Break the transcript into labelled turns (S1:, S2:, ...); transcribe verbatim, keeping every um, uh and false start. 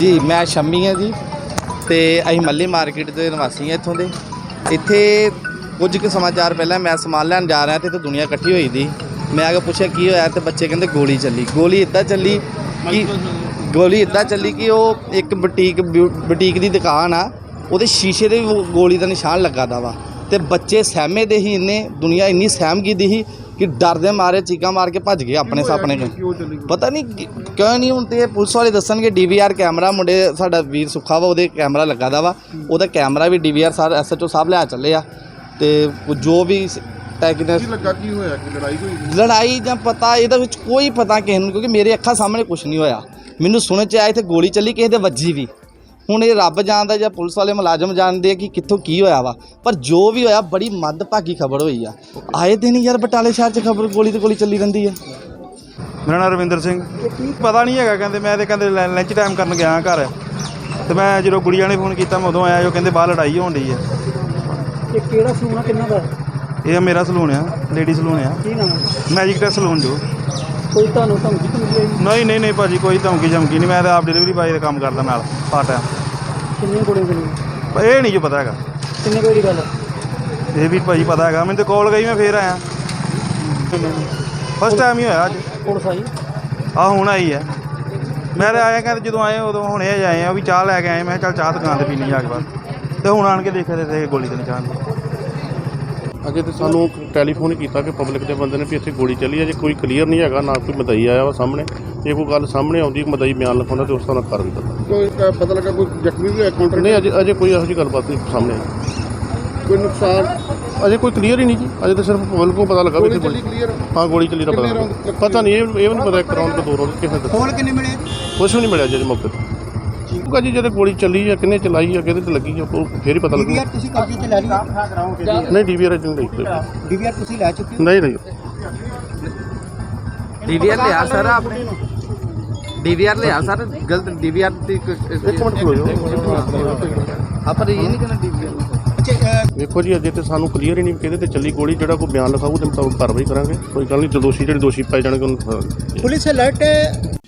S1: जी मैं शम्मी हाँ जी तो अं मल्ली मार्केट के निवासी हैं इतों के इतने कुछ के समाचार पहले मैं समान लैन जा रहा तो दुनिया इकट्ठी हुई थी। मैं आगे पूछा की होया तो बच्चे कहते गोली चली गोली इदा चली कि गोली इदा चली कि वो एक बुटीक बुटीक की दुकान आ वो शीशे के गोली का निशान लगा दा वा तो बच्चे सहमे दे ही इन्ने दुनिया इन्नी सहम की दी ही कि डर दे मारे चीका मार के भज गए अपने सापने पता नहीं क्यों नहीं हूँ तो पुलिस वाले दसन डी वी आर कैमरा मुंडे साडा वीर सुखा वा वो कैमरा लगा दा वा वो कैमरा भी D V R sir S H O साहब लिया चले आ तो जो भी लड़ाई ਜਾਂ पता ਇਹਦੇ ਵਿੱਚ कोई पता किसी ਨੂੰ क्योंकि मेरे ਅੱਖਾਂ सामने कुछ नहीं होया मैनू सुनने च आया इत्थे गोली चली किसी दे वजी भी ਹੁਣ ਇਹ ਰੱਬ ਜਾਣਦਾ ਜਾਂ ਪੁਲਿਸ ਵਾਲੇ ਮੁਲਾਜ਼ਮ ਜਾਣਦੇ ਕਿ ਕਿੱਥੋਂ ਕੀ ਹੋਇਆ ਵਾ ਪਰ ਜੋ ਵੀ ਹੋਇਆ ਬੜੀ ਮੰਦਭਾਗੀ ਖਬਰ ਹੋਈ ਆ ਆਏ ਦਿਨ ਯਾਰ ਬਟਾਲੇ ਸ਼ਹਿਰ 'ਚ ਖਬਰ ਗੋਲੀ ਤੇ ਗੋਲੀ ਚੱਲੀ ਰਹਿੰਦੀ ਆ।
S2: ਮੇਰਾ ਨਾਮ ਰਵਿੰਦਰ ਸਿੰਘ ਪਤਾ ਨਹੀਂ ਹੈਗਾ ਕਹਿੰਦੇ ਮੈਂ ਤੇ ਕਹਿੰਦੇ ਲੰਚ ਟਾਈਮ ਕਰਨ ਗਿਆ ਘਰ ਤੇ ਮੈਂ ਜਦੋਂ ਗੁੜੀਆਂ ਨੇ ਫੋਨ ਕੀਤਾ ਮੈਂ ਉਦੋਂ ਆਇਆ ਜੋ ਕਹਿੰਦੇ ਬਾਹਰ ਲੜਾਈ ਹੋਣ ਡਈ ਆ।
S3: ਇਹ ਕਿਹੜਾ ਸਲੂਨ ਆ ਕਿੰਨਾ ਦਾ?
S2: ਇਹ ਮੇਰਾ ਸਲੂਨ ਆ ਲੇਡੀ ਸਲੂਨ ਆ।
S3: ਕੀ ਨਾਮ
S2: ਮੈਜਿਕ ਟੈਸ ਸਲੂਨ ਜੋ।
S3: ਕੋਈ ਤੁਹਾਨੂੰ ਧਮਕੀ ਧਮਕੀ ਆਈ?
S2: ਨਹੀਂ ਨਹੀਂ ਨਹੀਂ ਭਾਜੀ ਕੋਈ ਧਮਕੀ ਧਮਕੀ ਨਹੀਂ ਮੈਂ ਤਾਂ ਆਪ ਡਿਲੀਵਰੀ ਬਾਏ ਦਾ ਕੰਮ ਕਰਦਾ ਨਾਲ ਪਾਰਟ ਟਾਈਮ।
S3: ਕਿੰਨੀਆਂ ਗੋਲੀਆਂ ਚੱਲੀਆਂ?
S2: ਇਹ ਨਹੀਂ ਜੋ ਪਤਾ ਹੈਗਾ
S3: ਕਿੰਨੇ ਕੋਈ ਦੀ ਗੱਲ?
S2: ਇਹ ਵੀ ਭਾਜੀ ਪਤਾ ਹੈਗਾ ਮੈਨੂੰ ਤਾਂ ਕਾਲ ਗਈ ਮੈਂ ਫੇਰ ਆਇਆ ਫਸਟ ਟਾਈਮ ਹੀ ਹੋਇਆ ਅੱਜ।
S3: ਪੁਲਿਸ ਆਈ?
S2: ਆਹ ਹੁਣ ਆਈ ਹੈ ਮੈਂ ਤਾਂ ਆਇਆ ਕਹਿੰਦੇ ਜਦੋਂ ਆਏ ਉਦੋਂ ਹੁਣੇ ਆਏ ਆ ਵੀ ਚਾਹ ਲੈ ਕੇ ਆਏ ਮੈਂ ਕਿਹਾ ਚੱਲ ਚਾਹ ਦੁਕਾਨ 'ਤੇ ਪੀਣੀ ਜਾ ਕੇ ਬਾਅਦ ਤੇ ਹੁਣ ਆਣ ਕੇ ਦੇਖਿਆ ਤੇ ਗੋਲੀ ਤੇ ਨਿਸ਼ਾਨ ਸੀ।
S4: अजे तो सानू टैलीफोन किया कि पब्लिक के बंदे ने भी इतने गोली चली अजे कोई क्लीयर नहीं है ना कोई मदई आया वा सामने जे कोई गल सामने आती मदई बयान लिखा तो उस तरह कर भी पता
S5: कोई पता लगा कोई जख्मी भी है काउंटर
S4: नहीं अजे अजे कोई ऐसी गलबात नहीं सामने आई
S5: कोई नुकसान
S4: अजे कोई क्लीयर ही नहीं जी अजे तो सिर्फ पब्लिक को पता लगा भी इतनी गोली
S5: क्लियर
S4: हाँ गोली चली का पता पता नहीं ये भी नहीं पता एक राउंड के दो राउंड कितने
S3: खोल किन्ने मिले?
S4: कुछ भी नहीं मिला जी मौके पर जी जो गोली चली है किन्ने चलाई है कि लगी है फिर ही पता लगे।
S3: ਡੀਵੀਆਰ ਤੁਸੀਂ ਕਬਜ਼ੇ 'ਚ ਲੈ ਲਈ?
S4: नहीं डी वी आर नहीं
S3: ਡੀਵੀਆਰ ਤੁਸੀਂ ਲੈ ਚੁੱਕੇ ਹੋ?
S4: नहीं नहीं
S1: डी वी आर लिया सर आपने डी वी आर लिया सर गलत डी वी आर
S4: एक मिनट खलो जाओ
S1: आप ये नहीं कहना डी वी आर
S4: देखो जी अजे तो सानू क्लीयर ही नहीं कि चली गोली जो कोई बयान लिखाऊ तो मुताबिक कार्रवाई करेंगे कोई गल नहीं जो दोषी जो दोषी पाए जाने
S3: पुलिस अलर्ट है।